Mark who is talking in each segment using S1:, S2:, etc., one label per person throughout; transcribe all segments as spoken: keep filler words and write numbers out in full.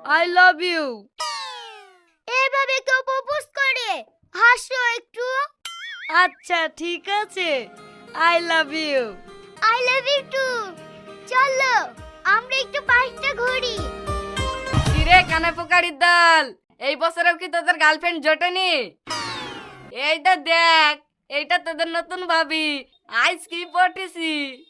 S1: I love you.
S2: এভাবে কেউ propose করে? হাসো একটু।
S1: আচ্ছা ঠিক আছে, I love you.
S2: I love you too. চলো আমরা একটু পার্কটা ঘুরি।
S3: কিরে কানে পোকারির দল, এই বছরেও কি তোদের গার্লফ্রেন্ড জোটেনি? এইটা দেখ, এইটা তোদের নতুন ভাবি। আইস কি পটেছি।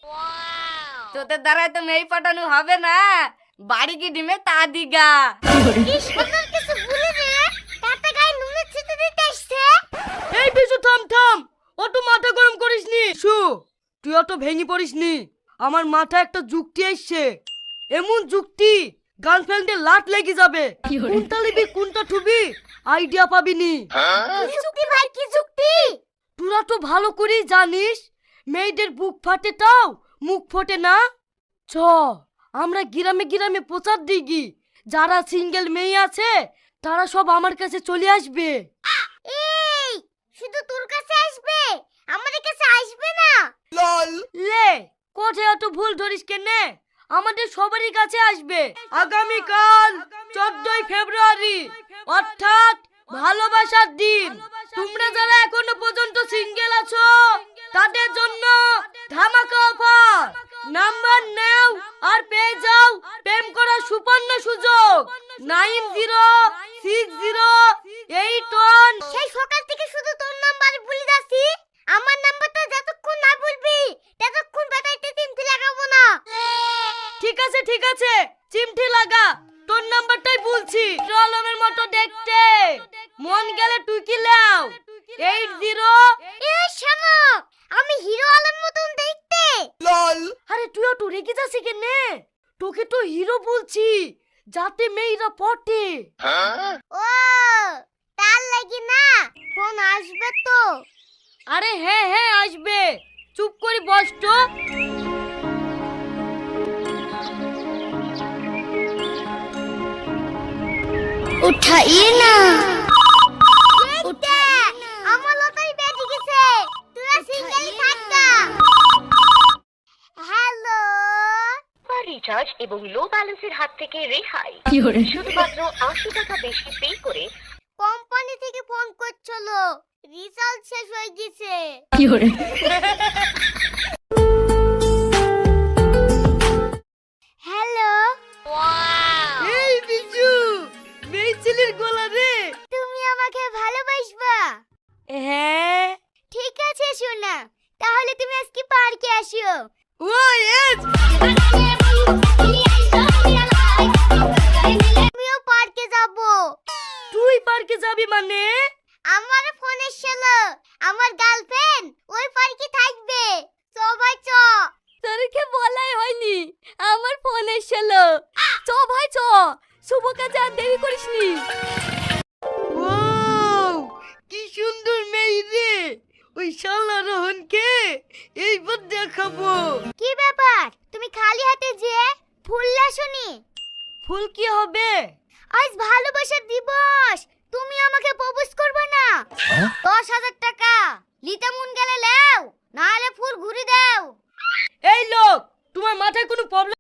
S3: তোদের দ্বারাই তো মেয়ে পাঠানো হবে না, বাড়ি কি ডিমে তা দিগা।
S2: কি সুন্দর কিছু বলে রে, তাতে গায়ে নুনের ছিটে দিতে আসছে।
S1: এই বিশু থাম থাম, অত মাথা গরম করিসনি। শু, তুই অত ভেঙে পড়িসনি। আমার মাথায় একটা যুক্তি আসছে, এমন যুক্তি গার্লফ্রেন্ডের লাট লেগে যাবে। কোনটা লিবি কোনটা ঠুবি আইডিয়া পাবিনি।
S2: কি যুক্তি ভাই, কি যুক্তি?
S1: তোরা তো ভালো করেই জানিস মেয়েদের বুক ফাটে তাও মুখ ফোটে না। চ আমরা গ্রামে গ্রামে প্রচার দিই, যারা সিঙ্গেল মেয়ে আছে তারা সব আমার কাছে চলে আসবে।
S2: এই শুধু তোর কাছে আসবে, আমাদের কাছে আসবে না?
S1: লে কোথায় অত ভুল ধরিস কেনে, আমাদের সবারই কাছে আসবে। আগামীকাল চোদ্দই ফেব্রুয়ারি অর্থাৎ ভালোবাসার দিন। তোমরা যারা এখনো পর্যন্ত সিঙ্গেল আছো তাদের জন্য ধামাকা অফার। নাম্বার নাও আর পেয়ে যাও প্রেম করার সুবর্ণ সুযোগ। Nine zero six zero eight one.
S2: সেই সকাল থেকে শুধু তোর নাম্বার ভুলে যাচ্ছি। আমার নাম্বারটা যতক্ষণ না বলবি ততক্ষণ বেটাইতে চিমটি লাগাবো না।
S1: ঠিক আছে ঠিক আছে, চিমটি লাগা, তোর নাম্বারটাই বলছি। আলমের মতো দেখতে, মন গেলে তুই কি লাও। Eight zero.
S2: এই শোনো, আমি হিরো আলম মতন দেখতে।
S1: আরে তুইও তো রেগে যাচ্ছি কেনে, তোকে তো হিরো বলছি যাতে মেয়েরা পটে।
S2: ও তার লাগি না, ফোন আসবে তো।
S1: আরে হ্যাঁ হ্যাঁ আসবে, চুপ করে বস তো।
S2: উঠাইয়ে না। উঠা, আমার লটারি বেজে গেছে। তোরা সিঙ্গেল থাক না। হ্যালো।
S4: রিচার্জ এবং লো ব্যালেন্সের হাত থেকে রেহাই। শুধুমাত্র আশি টাকা বেশি পে করে।
S2: কোম্পানি থেকে ফোন করছিল, রিচার্জ শেষ হয়ে গেছে। হ্যালো।
S1: এই বিজু, মেয়ে ছেলের গলা রে।
S2: তুমি আমাকে ভালোবাসবা?
S1: হ্যাঁ।
S2: ঠিক আছে সোনা, তাহলে তুমি আজকে পার্কে আসো।
S1: ও এস।
S2: আমিও পার্কে যাব।
S1: তুই পার্কে যাবি মানে?
S2: আমার ফোন এসেছিল, আমার গার্লফ্রেন্ড ওই পার্কে থাকবে। চ ভাই চ।
S3: তোরকে বলাই হয়নি, আমার ফোন এসেছিল। চ ভাই চ, শুভ কাজে আর দেরি করিসনি।
S1: ওয়াও, কি সুন্দর মেয়ে রে। ওই শালা রোহনকে এইবার দেখাবো।
S2: কি ব্যাপার, তুমি খালি হাতে যে ফুল লাসনি?
S1: ফুল কি হবে?
S2: আজ ভালোবাসার দিবস, তুমি আমাকে প্রপোজ করবে না? দশ হাজার টাকা লিতে মন গেলে লাও, না হলে ফুল ঘুরি দাও।
S1: এই লোক, তোমার মাথায় কোনো প্রবলেম